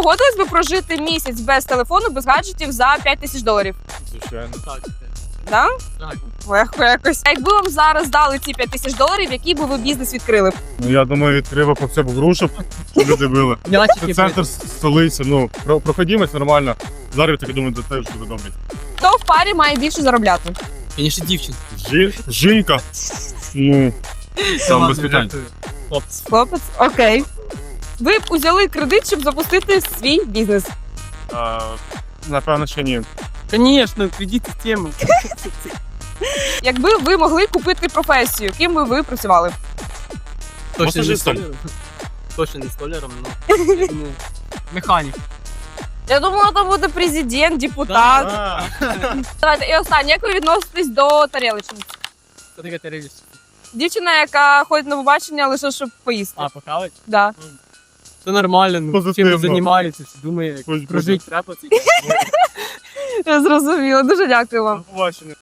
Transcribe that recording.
погодились би прожити місяць без телефону, без гаджетів за $5000? Звичайно. Так. Да? Так. Легко якось. А якби вам зараз дали ці $5000, який би ви бізнес відкрили б? Ну, я думаю, відкрив по це грушок, щоб люди били. Це М'ячики. центр столиці, ну, проходимость нормально. Зараз я думаю, це теж буде добре. Хто в парі має більше заробляти? Звісно, дівчина. Жінка, ну, там без питань. Хлопці. Хлопець? Окей. Ви б узяли кредит, щоб запустити свій бізнес? Напевно, ще ні. Звісно, кредит систему. Якби ви могли купити професію, ким би ви працювали? Точно не Масажистом. столяром. Точно не столяром, але механік. Я думала, там буде президент, депутат. Давайте, і останнє, як ви відноситесь до тарілочниць? Це таке теревість. Дівчина, яка ходить на побачення лише щоб поїсти. А, похавать? Да. Все нормально, ну, Позитивно. чим займається, думає, Хоч прожить треба. Я зрозуміла. Дуже дякую вам. Побачення.